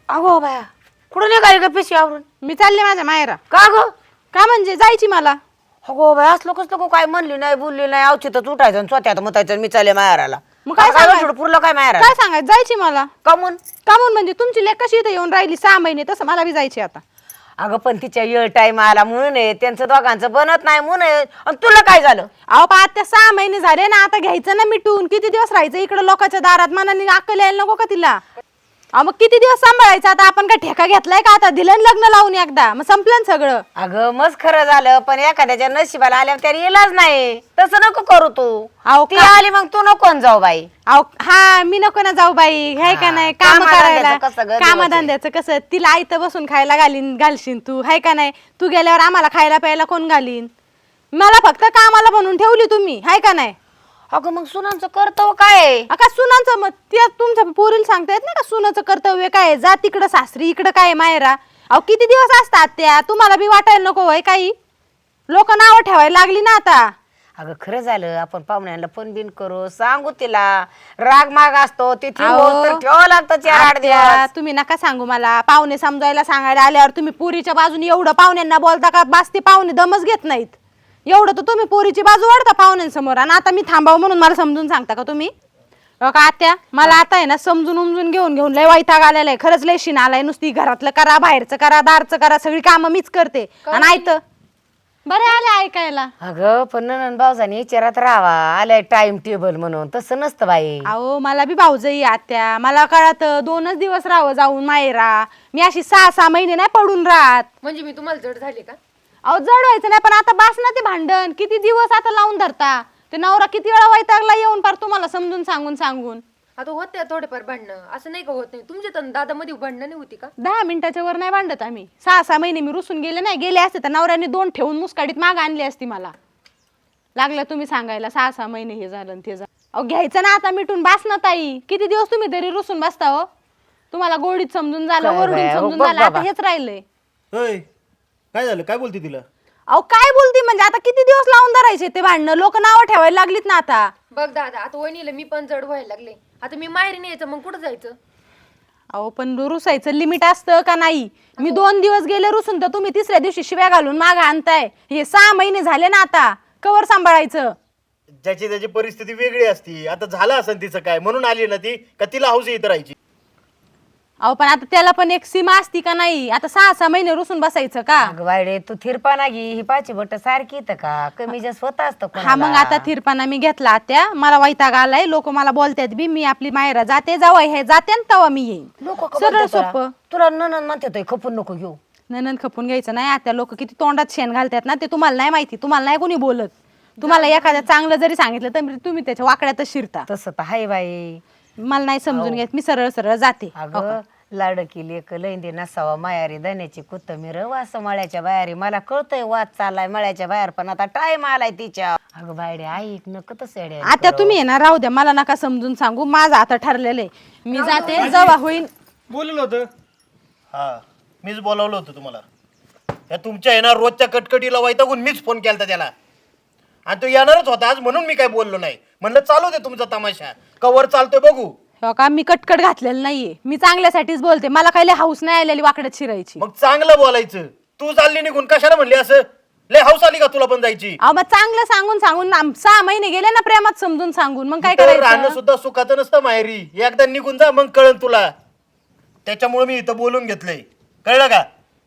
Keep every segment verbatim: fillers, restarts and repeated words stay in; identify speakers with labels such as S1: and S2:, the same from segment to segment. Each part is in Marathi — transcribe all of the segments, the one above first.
S1: अगो बाया कुठं निघाली का पिशवी आवरून?
S2: मी चालले माझ्या मायरा.
S1: का ग?
S2: का म्हणजे जायची मला.
S1: अगो बाया असलो कसलं काय म्हणली नाही बोलली नाही अवचितच उठायचं आणि स्वतःत मुतायचं मी चालले माहेराला.
S2: मग काय
S1: काय
S2: सांगायचं?
S1: पुरलं काय माहेराला?
S2: काय सांगायचं जायची मला.
S1: कमून?
S2: का म्हणून म्हणजे तुमची लेक कशी इथे येऊन राहिली सहा महिने तसं मला बी जायची आता.
S1: अगं पण तिच्या येळ टाइम आला म्हणून आहे त्यांचं दोघांचं बनत नाही म्हणून आहे. आणि तुला काय झालं?
S2: अहो पा आता सहा महिने झाले ना आता घ्यायचं ना मिटून. किती दिवस राहायचं इकडे लोकांच्या दारात मनाने अक्कल यायला नको का तिला. अहो मग किती दिवस सांभाळायचं आता आपण काय ठेका घेतलाय का आता दिलं ना लग्न लावून एकदा मग संपलं ना सगळं.
S1: अगं मस्त खरं झालं पण एखाद्याच्या नशिबाला आल्यावर त्याला इलाज नाही तसं नको करू तू.
S2: अहो
S1: ती
S2: का-
S1: आली मग तू नको न जाऊ बाई.
S2: अहो हा मी नको ना जाऊ बाई हाय का
S1: हा,
S2: नाही काम
S1: कामाधंद्याचं
S2: करायला
S1: कसं गं दिवस
S2: कामधंद्याचं कसं तिला आयतं बसून खायला घालीन घालशील तू हाय का नाही. तू गेल्यावर आम्हाला खायला प्यायला कोण घालीन. मला फक्त कामाला बनवून ठेवली तुम्ही हाय का नाही.
S1: अगं मग सुनांचं कर्तव्य काय आहे?
S2: का सुनांचं मग त्या तुमच्या पोरीला सांगता येत नाही का सुनाचं कर्तव्य काय आहे? जा तिकडं सासरी इकडं काय आहे मायरा. अहो किती दिवस असतात त्या तुम्हाला बी वाटायला नको होय काही. लोक नावं ठेवायला लागली ना आता.
S1: अगं खरं झालं आपण पाहुण्यांना फोन बिन करू सांगू तिला राग माग असतो तिथे
S2: अहो,
S1: तर ठेवावं लागतं चार आठ
S2: आत्या,
S1: दिवस.
S2: तुम्ही नका सांगू मला पाहुणे समजायला सांगायला आल्यावर तुम्ही पोरीच्या बाजूने एवढं पाहुण्यांना बोलता का बास ते पाहुणे दमच घेत नाहीत. एवढं तर तुम्ही पोरीची बाजू वाढता पाहुण्यांसमोर आणि आता मी थांबावं म्हणून मला समजून सांगता का तुम्ही. अहो का आत्या मला आता आहे ना समजून उमजून घेऊन घेऊन लय वैताग आलेला आहे खरंच लय शिन आलाय. नुसती घरातलं करा बाहेरचं करा दारचं करा सगळी कामं मीच करते आणि ऐकतं बरं आले ऐकायला.
S1: अगं पण ननंद भाऊजाने विचारात राहावा आलाय टाइम टेबल म्हणून तसं नसतं बाई.
S2: अहो मला बी भाऊजई आत्या मला कळत दोनच दिवस राहावं जाऊन मायरा. मी अशी सहा सहा महिने नाही पडून राहत.
S3: म्हणजे मी तुम्हाला जड झाले का?
S2: अहो जड व्हायचं नाही पण आता बास ना ते भांडण किती दिवस आता लावून धरता. ते नवरा किती वेळा वैतागला येऊन पार तुम्हाला समजून सांगून सांगून.
S3: आता होते थोडेफार भांडणं असं नाही का होत नाही. तुमच्या तर दादामध्ये भांडणं नाही होती का?
S2: दहा मिनिटाच्या वर नाही भांडत आम्ही. सहा सहा महिने मी रुसून गेले नाही गेले असते तर नवऱ्याने दोन ठेवून मुस्काडीत माग आणली असती मला. लागलं तुम्ही सांगायला सहा सहा महिने हे झालं आणि ते झालं. अहो घ्यायचं ना आता मिटून बास ना ताई. किती दिवस तुम्ही तरी रुसून बसता हो. तुम्हाला गोडीत समजून झालं
S1: काय
S2: वरडून
S1: बाया, हो
S2: समजून
S1: बघ
S2: झालं आता
S1: बाबा.
S2: हेच राहिलंय.
S4: होय काय झालं काय बोलते तिला?
S2: अहो काय बोलती म्हणजे आता किती दिवस लावून धरायचे ते भांडणं. लोक नावं ठेवायला लागलीत ना आता.
S3: बघ दादा आता वहिनीला मी पण जड व्हायला लागले. आता मी माहेरी नाही यायचं मग कुठं जायचं?
S2: अहो पण रुसायचं लिमिट असतं का नाही. मी दोन दिवस गेले रुसून तर तुम्ही तिसऱ्या दिवशी शिव्या घालून माग आणताय. हे सहा महिने झाले ना आता कवर सांभाळायचं.
S4: ज्याची त्याची परिस्थिती वेगळी असती. आता झालं असं तिचं काय म्हणून आली ना ती का तिला हौस इथं राहायची?
S2: अहो पण आता त्याला पण एक सीमा असती का नाही. आता सहा सहा महिने रुसून बसायचं का.
S1: अगं बायडे तू थिरपाना घे ही पाची बट सारखी इथं का कमी जास्त होत असतं
S2: हा मग
S1: कोणाला.
S2: आता थिरपाना मी घेतला त्या मला वैताग आलाय. लोक मला बोलतात बी मी आपली मायरा जाते जावं हे जाते आणि तेव्हा मी येईन.
S1: लोकं का
S2: सरळ
S1: बोलतात तुला?
S2: सोपं.
S1: तुला ननंद म्हणते तो खपून नको घेऊ.
S2: ननंद खपून घ्यायचं नाही. आता लोक किती तोंडात शेण घालतात ना ते तुम्हाला नाही माहिती. तुम्हाला नाही कोणी बोलत. तुम्हाला एखाद्या चांगलं जरी सांगितलं तर तुम्ही त्याच्या वाकड्यातच शिरता.
S1: तसं तर हाय बाई.
S2: मला नाही समजून घेत मी सरळ सरळ जाते.
S1: अगं लाडकी लेक लैंदी नसावा मायारी धन्याची कोथमीर वास मळ्याच्या बाहेर मला कळतंय वाद चाललाय मळ्याच्या बाहेर पण आता टाइम आलाय तिच्या. अगं बायडे ऐक नको तसं येड्या
S2: आता तुम्ही आहे ना राहू द्या मला नका समजून सांगू. माझं आता ठरलेलं आहे. मी जाते जेव्हा होईन.
S4: बोललं होतं हा मीच बोलावलं होतं तुम्हाला. या तुमच्या येणार रोजच्या कटकटीला वैतागून मीच फोन केला त्याला आणि तो येणारच होता आज म्हणून मी काय बोललो नाही. म्हणलं चालू दे तुमचा तमाशा कवर चालतोय बघू.
S2: हो का मी कटकट घातलेलं नाहीये. मी चांगल्यासाठीच बोलते. मला काही हाऊस नाही आलेली वाकड्यात शिरायची.
S4: मग चांगलं बोलायचं. तू चालली निघून कशाला म्हणली असं? लय हौस आली का तुला पण जायची?
S2: अहो मग चांगलं सांगून सांगून आम- सहा महिने गेले ना प्रेमात समजून सांगून मग काय
S4: इथं राहणं
S2: करायचं.
S4: सुद्धा सुखाचं नसतं माहेरी. एकदा निघून जा मग कळन तुला. त्याच्यामुळे मी इथं बोलून घेतलंय कळलं का?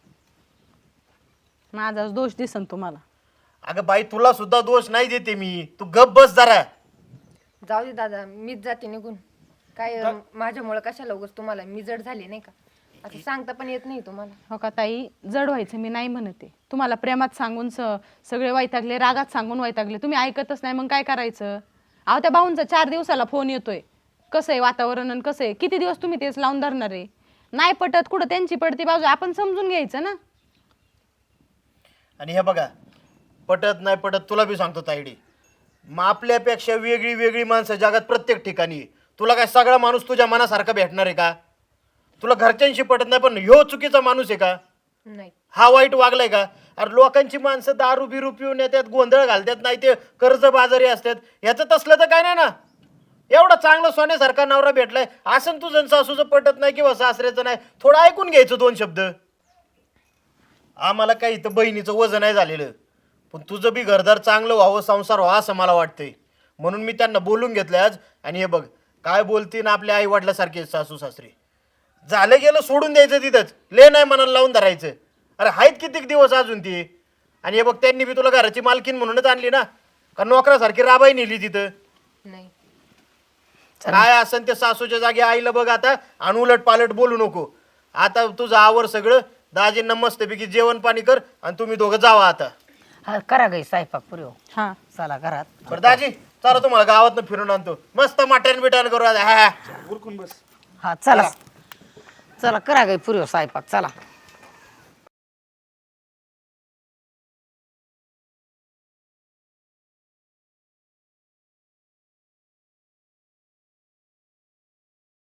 S2: माझा दोष दिसन तुम्हाला.
S4: अगं बाई तुला सुद्धा दोष नाही देते मी. तू गप बस जरा.
S3: जाऊ दे दादा मीच जाते निघून. काय माझ्यामुळे कशाला उगाच तुम्हाला मी जड झाली नाही का? असं सांगता पण येत नाही तुम्हाला.
S2: हो का ताई जड व्हायचं मी नाही म्हणते. तुम्हाला प्रेमात सांगून स सगळे वैतागले रागात सांगून वैतागले तुम्ही ऐकतच नाही मग काय करायचं. अहो त्या भाऊंचा चार दिवसाला फोन येतोय. कसं आहे वातावरण आणि कसं आहे किती दिवस तुम्ही तेच लावून धरणार आहे. नाही पटत कुठं त्यांची पडती बाजू आपण समजून घ्यायचं ना.
S4: आणि हे बघा पटत नाही पटत तुला बी सांगतो तायडी. मग आपल्यापेक्षा वेगळी वेगळी माणसं जगात प्रत्येक ठिकाणी. तुला काय सगळा माणूस तुझ्या मनासारखा भेटणार आहे का? तुला घरच्यांशी पटत नाही पण ह्यो चुकीचा माणूस आहे का?
S3: नाही
S4: हा वाईट वागलाय का? अरे लोकांची माणसं दारू बिरू पिऊन येतात गोंधळ घालतात नाही ते कर्ज बाजारी असतात. ह्याचं तसलं तर काय नाही ना. एवढा चांगला सोन्यासारखा नवरा भेटलाय असं तुझं सासूचं पटत नाही किंवा सासऱ्याचं नाही, थोडं ऐकून घ्यायचं दोन शब्द. आम्हाला काही इथं बहिणीचं वजन नाही झालेलं, पण तुझं बी घरदार चांगलं व्हावं, संसार व्हावा असं मला वाटतंय. म्हणून मी त्यांना बोलून घेतलं आज. आणि हे बघ काय बोलतीन आपल्या आई वडिलासारखे सासू सासरे. झालं गेलं सोडून द्यायचं तिथंच, ले नाही मनाला लावून धरायचं. अरे आहेत कितीक दिवस अजून ती. आणि हे बघ त्यांनी बी तुला घराची मालकीन म्हणूनच आणली ना, का नोकरासारखी राबाई नेली तिथं.
S3: नाही
S4: काय असन ते सासूच्या जागी आईला बघ आता, आणि उलट पालट बोलू नको. आता तुझं आवर सगळं, दाजींना मस्तपैकी जेवण पाणी कर आणि तुम्ही दोघं जावा आता.
S1: हा करा गई स्वयंपाक पुरी हो.
S2: हा
S1: चला घरात.
S4: बरं दाजी चला तुम्हाला गावातनं फिरून आणतो, मस्त मटण बिटण करू आता. हा
S1: हा चला चला करा गई पुरी हो स्वयंपाक चला.